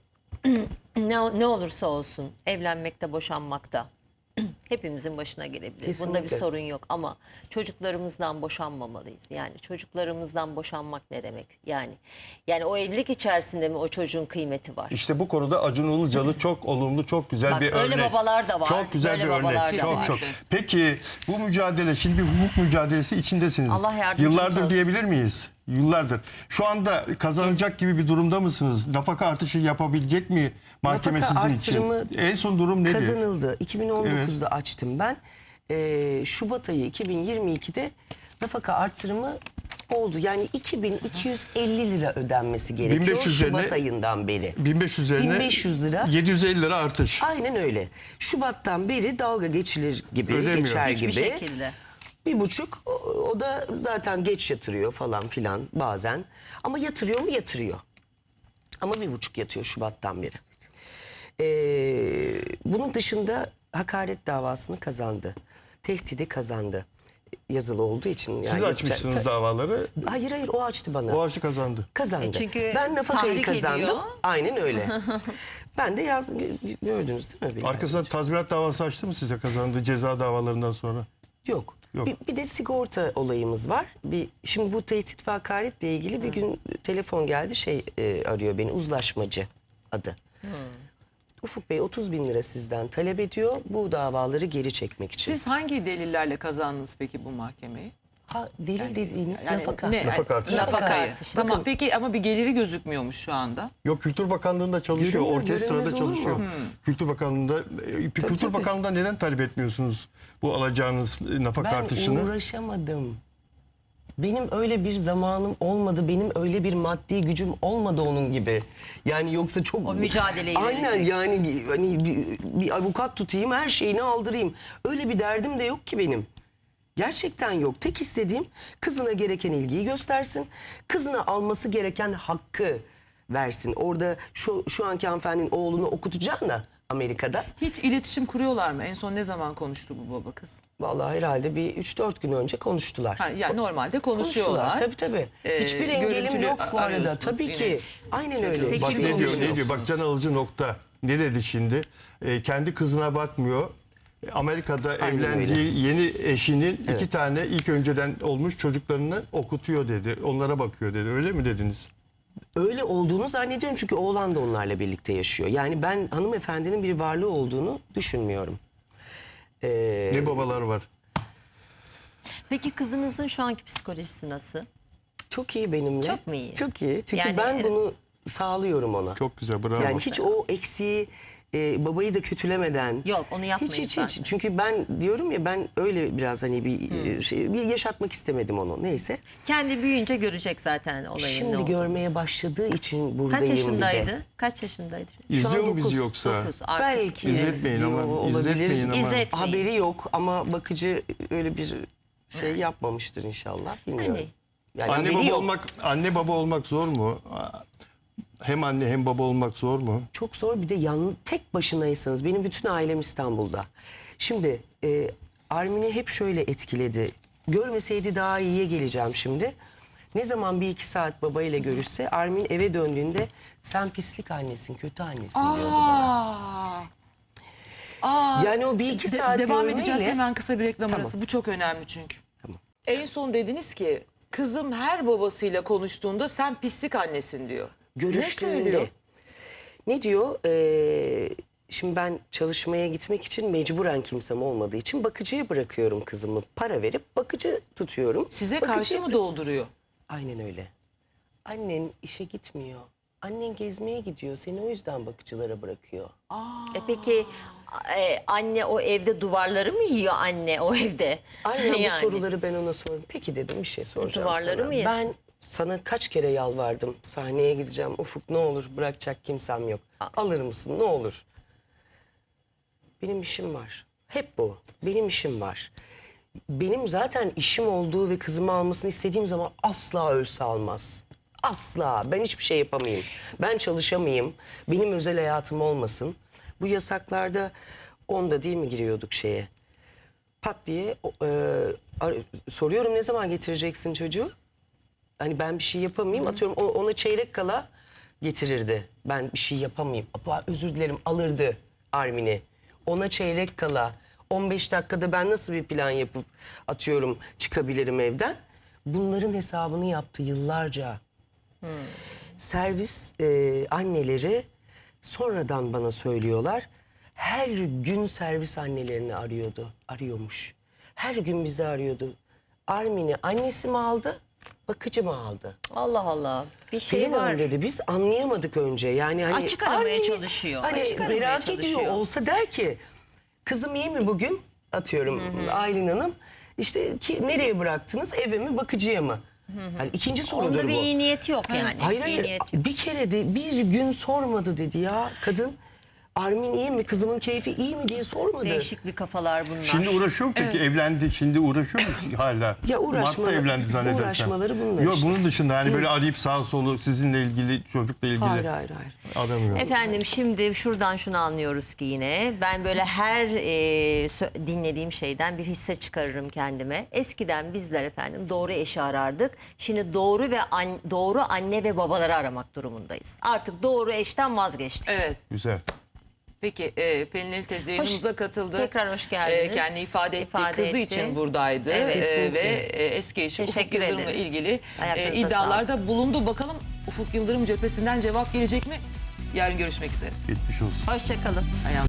[SPEAKER 5] ne olursa olsun evlenmekte, boşanmakta hepimizin başına gelebilir. Bunda bir
[SPEAKER 4] Kesinlikle.
[SPEAKER 5] sorun yok ama çocuklarımızdan boşanmamalıyız. Yani çocuklarımızdan boşanmak ne demek? Yani o evlilik içerisinde mi o çocuğun kıymeti var?
[SPEAKER 2] İşte bu konuda Acun Ilıcalı çok olumlu, çok güzel
[SPEAKER 5] Bak,
[SPEAKER 2] bir
[SPEAKER 5] öyle
[SPEAKER 2] örnek.
[SPEAKER 5] babalar da var,
[SPEAKER 2] Çok güzel
[SPEAKER 5] böyle
[SPEAKER 2] bir
[SPEAKER 5] babalar
[SPEAKER 2] örnek.
[SPEAKER 5] da
[SPEAKER 2] Çok
[SPEAKER 5] var.
[SPEAKER 2] çok. Peki bu mücadele, şimdi bir hukuk mücadelesi içindesiniz.
[SPEAKER 5] Allah yardımcınız
[SPEAKER 2] Yıllardır
[SPEAKER 5] olsun.
[SPEAKER 2] diyebilir miyiz? Yıllardır. Şu anda kazanacak gibi bir durumda mısınız? Nafaka artışı yapabilecek mi mahkeme
[SPEAKER 4] Nafaka
[SPEAKER 2] sizin için?
[SPEAKER 4] artırımı
[SPEAKER 2] En son durum nedir?
[SPEAKER 4] Kazanıldı. 2019'da açtım ben. Şubat ayı 2022'de nafaka artırımı oldu. Yani 2250 lira ödenmesi gerekiyor
[SPEAKER 2] 1500
[SPEAKER 4] Şubat
[SPEAKER 2] üzerine-
[SPEAKER 4] ayından beri.
[SPEAKER 2] 1500 üzerine
[SPEAKER 4] 1500 lira.
[SPEAKER 2] 750 lira artış.
[SPEAKER 4] Aynen öyle. Şubattan beri dalga geçilir gibi,
[SPEAKER 2] Ödemiyor.
[SPEAKER 4] geçer
[SPEAKER 5] Hiçbir
[SPEAKER 4] gibi.
[SPEAKER 5] şekilde.
[SPEAKER 4] 1,5 o da zaten geç yatırıyor falan filan bazen. Ama yatırıyor mu? Yatırıyor. Ama 1,5 yatıyor Şubat'tan beri. Bunun dışında hakaret davasını kazandı. Tehdidi kazandı. Yazılı olduğu için. Yani
[SPEAKER 2] Siz açmışsınız davaları.
[SPEAKER 4] Hayır o açtı bana.
[SPEAKER 2] O açı kazandı.
[SPEAKER 4] Kazandı.
[SPEAKER 5] Çünkü
[SPEAKER 4] ben nafakayı
[SPEAKER 5] tahrik
[SPEAKER 4] kazandım.
[SPEAKER 5] ediyor.
[SPEAKER 4] Aynen öyle. Ben de gördünüz değil mi? Bilal
[SPEAKER 2] Arkasından
[SPEAKER 4] Beyciğim?
[SPEAKER 2] tazminat davası açtı mı size kazandığı ceza davalarından sonra?
[SPEAKER 4] Yok.
[SPEAKER 2] Yok.
[SPEAKER 4] Bir de sigorta olayımız var. Şimdi bu tehdit ve hakaretle ilgili bir gün telefon geldi, arıyor beni, uzlaşmacı adı. Ufuk Bey 30 bin lira sizden talep ediyor bu davaları geri çekmek için.
[SPEAKER 1] Siz hangi delillerle kazandınız peki bu mahkemeyi?
[SPEAKER 4] Delil dediğiniz
[SPEAKER 1] Yani
[SPEAKER 4] nafaka.
[SPEAKER 1] ne?
[SPEAKER 2] Nafaka artışı.
[SPEAKER 1] Nafakayı.
[SPEAKER 5] artışı.
[SPEAKER 1] Tamam
[SPEAKER 4] Bakın.
[SPEAKER 1] peki ama bir geliri gözükmüyormuş şu anda.
[SPEAKER 2] Yok, Kültür Bakanlığı'nda çalışıyor,
[SPEAKER 4] Görünüyor,
[SPEAKER 2] orkestrada
[SPEAKER 4] görünmez olur mu?
[SPEAKER 2] çalışıyor. Kültür Bakanlığı'nda, Kültür
[SPEAKER 4] tabii.
[SPEAKER 2] Bakanlığı'nda neden talep etmiyorsunuz bu alacağınız nafaka
[SPEAKER 4] Ben
[SPEAKER 2] artışını?
[SPEAKER 4] uğraşamadım. Benim öyle bir zamanım olmadı. Benim öyle bir maddi gücüm olmadı onun gibi. Yani yoksa çok...
[SPEAKER 5] O mücadeleyi
[SPEAKER 4] Aynen
[SPEAKER 5] verecek.
[SPEAKER 4] yani hani bir avukat tutayım, her şeyini aldırayım. Öyle bir derdim de yok ki benim. Gerçekten yok. Tek istediğim kızına gereken ilgiyi göstersin. Kızına alması gereken hakkı versin. Orada şu anki hanımefendinin oğlunu okutacağına Amerika'da.
[SPEAKER 1] Hiç iletişim kuruyorlar mı? En son ne zaman konuştu bu baba kız?
[SPEAKER 4] Vallahi herhalde bir 3-4 gün önce konuştular.
[SPEAKER 1] Ha, yani normalde konuşuyorlar.
[SPEAKER 4] Tabii. Hiçbir engelim
[SPEAKER 1] görüntülü
[SPEAKER 4] yok bu arada.
[SPEAKER 1] arıyorsunuz
[SPEAKER 4] Tabii
[SPEAKER 1] yine
[SPEAKER 4] ki. Aynen öyle.
[SPEAKER 5] Peki
[SPEAKER 2] Bak
[SPEAKER 5] Hiçbir
[SPEAKER 2] ne diyor,
[SPEAKER 5] konuşmuyorsunuz.
[SPEAKER 2] ne diyor? Bak can alıcı nokta. Ne dedi şimdi? Kendi kızına bakmıyor. Amerika'da
[SPEAKER 4] Aynen
[SPEAKER 2] evlendiği yeni eşinin 2 tane ilk önceden olmuş çocuklarını okutuyor dedi. Onlara bakıyor dedi. Öyle mi dediniz?
[SPEAKER 4] Öyle olduğunu zannediyorum çünkü oğlan da onlarla birlikte yaşıyor. Yani ben hanımefendinin bir varlığı olduğunu düşünmüyorum.
[SPEAKER 2] Ne babalar var.
[SPEAKER 5] Peki kızınızın şu anki psikolojisi nasıl?
[SPEAKER 4] Çok iyi benimle.
[SPEAKER 5] Çok mu iyi?
[SPEAKER 4] Çok iyi. Çünkü
[SPEAKER 5] Yani-
[SPEAKER 4] ben bunu sağlıyorum ona.
[SPEAKER 2] Çok güzel, bravo.
[SPEAKER 4] Yani hiç o eksiği babayı da kötülemeden.
[SPEAKER 5] Yok, onu yapmayın
[SPEAKER 4] Hiç.
[SPEAKER 5] zaten.
[SPEAKER 4] Çünkü ben diyorum ya, ben öyle biraz hani bir yaşatmak istemedim onu. Neyse.
[SPEAKER 5] Kendi büyüyünce görecek zaten olayın ne
[SPEAKER 4] Şimdi
[SPEAKER 5] olduğunu.
[SPEAKER 4] görmeye başladığı için buradayım
[SPEAKER 5] Kaç
[SPEAKER 4] bir de.
[SPEAKER 5] yaşındaydı? Kaç yaşındaydı?
[SPEAKER 2] İzliyor mu bizi
[SPEAKER 4] dokuz,
[SPEAKER 2] yoksa?
[SPEAKER 5] 9. Artık
[SPEAKER 4] Belki
[SPEAKER 2] İzletmeyin ama,
[SPEAKER 4] izliyor olabilir.
[SPEAKER 2] izletmeyin ama.
[SPEAKER 5] İzletmeyin.
[SPEAKER 4] Haberi yok ama bakıcı öyle bir şey yapmamıştır inşallah. Bilmiyorum.
[SPEAKER 5] Hani?
[SPEAKER 4] Yani
[SPEAKER 2] Anne
[SPEAKER 4] haberi
[SPEAKER 2] baba
[SPEAKER 4] yok.
[SPEAKER 2] anne baba olmak zor mu? Hem anne hem baba olmak zor mu?
[SPEAKER 4] Çok zor, bir de tek başınaysanız. Benim bütün ailem İstanbul'da. Şimdi Armin'i hep şöyle etkiledi. Görmeseydi daha iyiye geleceğim şimdi. Ne zaman 1-2 saat babayla görüşse, Armin eve döndüğünde sen pislik annesin, kötü annesin diyordu bana. Yani o 1-2 saat
[SPEAKER 1] Devam edeceğiz,
[SPEAKER 4] görmeyle-
[SPEAKER 1] hemen kısa bir reklam
[SPEAKER 4] Tamam.
[SPEAKER 1] arası. Bu çok önemli çünkü. En son dediniz ki kızım her babasıyla konuştuğunda sen pislik annesin diyor.
[SPEAKER 4] Görüştüğünde.
[SPEAKER 1] Ne söylüyor?
[SPEAKER 4] Ne diyor? Şimdi ben çalışmaya gitmek için mecburen kimsem olmadığı için bakıcıya bırakıyorum kızımı. Para verip bakıcı tutuyorum.
[SPEAKER 1] Size
[SPEAKER 4] Bakıcıya
[SPEAKER 1] karşı mı dolduruyor?
[SPEAKER 4] Aynen öyle. Annen işe gitmiyor. Annen gezmeye gidiyor. Seni o yüzden bakıcılara bırakıyor.
[SPEAKER 5] Peki anne o evde duvarları mı yiyor anne o evde?
[SPEAKER 4] Aynen
[SPEAKER 5] Yani.
[SPEAKER 4] bu soruları ben ona sordum. Peki dedim, bir şey soracağım
[SPEAKER 5] Duvarları
[SPEAKER 4] sana.
[SPEAKER 5] mı yesin?
[SPEAKER 4] Ben sana kaç kere yalvardım. Sahneye gideceğim. Ufuk ne olur, bırakacak kimsem yok. Alır mısın ne olur? Benim işim var. Hep bu. Benim işim var. Benim zaten işim olduğu ve kızımı almasını istediğim zaman asla ölse almaz. Asla. Ben hiçbir şey yapamayayım. Ben çalışamayayım. Benim özel hayatım olmasın. Bu yasaklarda onda değil mi giriyorduk şeye? Pat diye soruyorum, ne zaman getireceksin çocuğu? Hani ben bir şey yapamayayım. Atıyorum ona çeyrek kala getirirdi. Ben bir şey yapamayayım. Özür dilerim, alırdı Armin'i. Ona çeyrek kala 15 dakikada ben nasıl bir plan yapıp atıyorum çıkabilirim evden? Bunların hesabını yaptı yıllarca. Servis anneleri sonradan bana söylüyorlar. Her gün servis annelerini arıyormuş. Her gün bizi arıyordu. Armin'i annesi mi aldı, bakıcı mı aldı?
[SPEAKER 5] Allah Allah. Bir şey
[SPEAKER 4] Pelin
[SPEAKER 5] var.
[SPEAKER 4] Hanım dedi, biz anlayamadık önce. Yani hani
[SPEAKER 5] Açık aramaya
[SPEAKER 4] Armin'i
[SPEAKER 5] çalışıyor.
[SPEAKER 4] Hani
[SPEAKER 5] Açık aramaya
[SPEAKER 4] merak
[SPEAKER 5] çalışıyor.
[SPEAKER 4] ediyor olsa der ki kızım iyi mi bugün? Atıyorum Aylin Hanım. İşte nereye bıraktınız? Eve mi, bakıcıya mı? Yani ikinci sorudur
[SPEAKER 5] Onda
[SPEAKER 4] bu.
[SPEAKER 5] bir iyi niyeti yok yani.
[SPEAKER 4] Hayır
[SPEAKER 5] İyi
[SPEAKER 4] hayır,
[SPEAKER 5] niyeti yok.
[SPEAKER 4] bir kere de bir gün sormadı dedi ya kadın. Armin iyi mi, kızımın keyfi iyi mi diye sormadı.
[SPEAKER 5] Değişik bir kafalar bunlar.
[SPEAKER 2] Şimdi uğraşıyor mu peki? Evlendi, şimdi uğraşıyor mu hala?
[SPEAKER 4] Ya uğraşmaları-
[SPEAKER 2] Mart'ta evlendi zannedersem.
[SPEAKER 4] uğraşmaları bunlar
[SPEAKER 2] Yok,
[SPEAKER 4] işte.
[SPEAKER 2] bunun dışında hani böyle arayıp sağ solu sizinle ilgili, çocukla ilgili
[SPEAKER 4] Hayır.
[SPEAKER 2] aramıyor.
[SPEAKER 5] Efendim şimdi şuradan şunu anlıyoruz ki yine ben böyle her dinlediğim şeyden bir hisse çıkarırım kendime. Eskiden bizler efendim doğru eşi arardık. Şimdi doğru ve doğru anne ve babaları aramak durumundayız. Artık doğru eşten vazgeçtik.
[SPEAKER 1] Evet.
[SPEAKER 2] Güzel.
[SPEAKER 1] Peki Pelin Ali teyze yayınımıza katıldı.
[SPEAKER 5] Tekrar hoş geldiniz.
[SPEAKER 1] Kendini ifade etti.
[SPEAKER 5] İfade
[SPEAKER 1] Kızı
[SPEAKER 5] etti.
[SPEAKER 1] için buradaydı.
[SPEAKER 5] Evet.
[SPEAKER 4] Kesinlikle.
[SPEAKER 1] Ve eski eşi Ufuk
[SPEAKER 5] Teşekkür
[SPEAKER 1] Yıldırım'la
[SPEAKER 5] ederiz.
[SPEAKER 1] ilgili
[SPEAKER 5] Ayaklarınıza
[SPEAKER 1] iddialarda bulundu. Bakalım Ufuk Yıldırım cephesinden cevap gelecek mi? Yarın görüşmek üzere.
[SPEAKER 2] Geçmiş olsun.
[SPEAKER 5] Hoşçakalın.